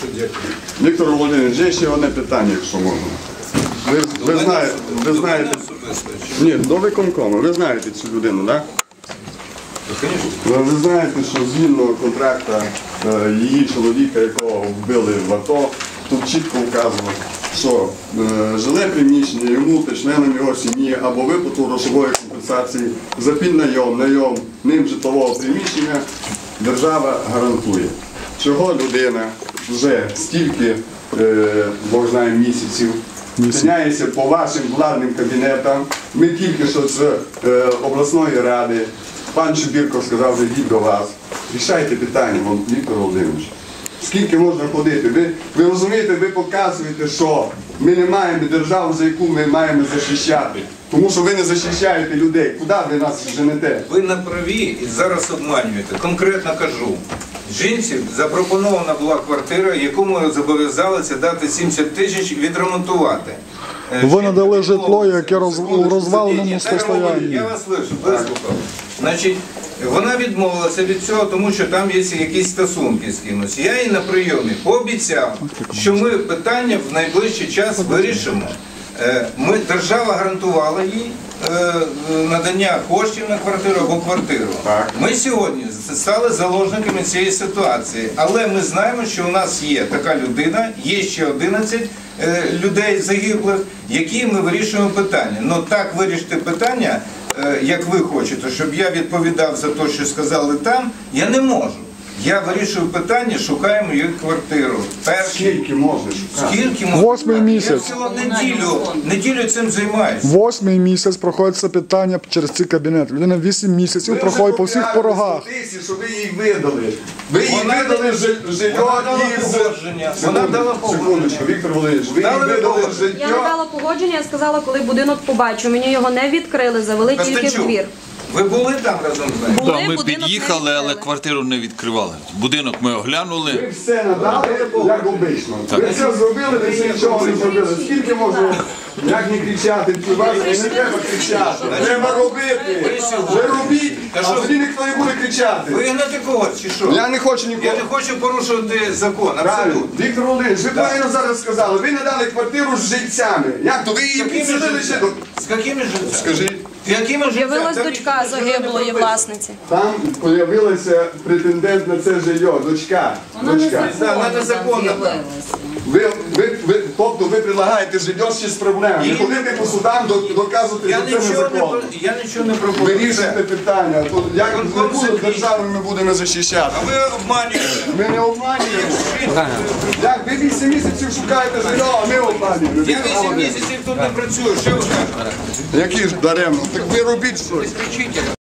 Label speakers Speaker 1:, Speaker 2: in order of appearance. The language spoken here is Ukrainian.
Speaker 1: Віктор Володимирович, є ще одне питання, якщо можна. Ви знаєте, ні, до виконкому, ви знаєте цю людину, так? Ви знаєте, що згідно контракту її чоловіка, якого вбили в АТО, тут чітко вказано, що жиле приміщення йому та членам його сім'ї або виплату грошової компенсації за піднайом ним житлового приміщення держава гарантує. Чого людина вже стільки, Бог знає, місяців тиняється по вашим владним кабінетам. Ми тільки що з обласної ради, пан Чубірко сказав, що йдіть до вас. Рішайте питання, Віктор Володимирович. Скільки можна ходити? Ви розумієте, ви показуєте, що ми не маємо державу, за яку ми маємо захищати. Тому що ви не захищаєте людей. Куди ви нас женете?
Speaker 2: Ви на праві і зараз обманюєте. Конкретно кажу. Жінці запропонована була квартира, яку ми зобов'язалися дати 70 тисяч відремонтувати.
Speaker 3: Ви надали житло, яке у розваленому стані.
Speaker 2: Я вас вислухав. Значить, вона відмовилася від цього, тому що там є якісь стосунки з кимось. Я їй на прийомі пообіцяв, що ми питання в найближчий час вирішимо. Держава гарантувала їй надання коштів на квартиру або квартиру. Ми сьогодні стали заложниками цієї ситуації, але ми знаємо, що у нас є така людина, є ще 11 людей загиблих, які ми вирішуємо питання. Но так вирішити питання, як ви хочете, щоб я відповідав за те, що сказали там, я не можу. Я вирішую питання, шукаємо її квартиру.
Speaker 1: Скільки можна шукати?
Speaker 2: Скільки можна?
Speaker 3: 8-й місяць.
Speaker 2: Я неділю цим займаюся.
Speaker 3: 8-й місяць проходить це питання через цей кабінет. Людина 8 місяців проходить по всіх порогах.
Speaker 1: Що ви їй видали. Ви їй видали житло із...
Speaker 2: Вона дала погодження.
Speaker 1: Віктор Володимирович, ви їй видали житло...
Speaker 4: Я не дала погодження, я сказала, коли будинок побачу. Мені його не відкрили, завели тільки в двір.
Speaker 2: Ви були там разом з нею?
Speaker 5: Так, ми під'їхали, але квартиру не відкривали. Будинок ми оглянули.
Speaker 1: Ви все надали, як обично. Ви все зробили, ви все нічого не зробили. Скільки можна, як не кричати, не треба кричати. Треба робити. Ви робіть, а тоді ніхто не буде кричати.
Speaker 2: Ви гнете когось чи що?
Speaker 1: Я не хочу нікого.
Speaker 2: Я не хочу порушувати закон, абсолютно.
Speaker 1: Віктор Володимирович, ви правильно зараз сказали, ви надали квартиру з жильцями. Як то? Ви її підсадили ще до...
Speaker 2: З якими жильцями?
Speaker 1: Скажіть.
Speaker 4: З'явилась дочка загиблої власниці.
Speaker 1: Там з'явився претендент на це жилье, дочка.
Speaker 2: Вона незаконна.
Speaker 1: Тобто ви предлагаєте жилье ще з проблемами. Не ходите по судам, доказувати, що це незаконно.
Speaker 2: Я нічого не пропоную.
Speaker 1: Вирішуйте питання. Як державу ми будемо захищати?
Speaker 2: А ви обманюєте.
Speaker 1: Ми не обманюємо. Як ви 8 місяців шукаєте жилье, а ми обманюємо.
Speaker 2: Я 8 місяців тут не працюю, що ви кажете?
Speaker 1: Які ж даремно? Так ви робіть щось.
Speaker 2: Кричите.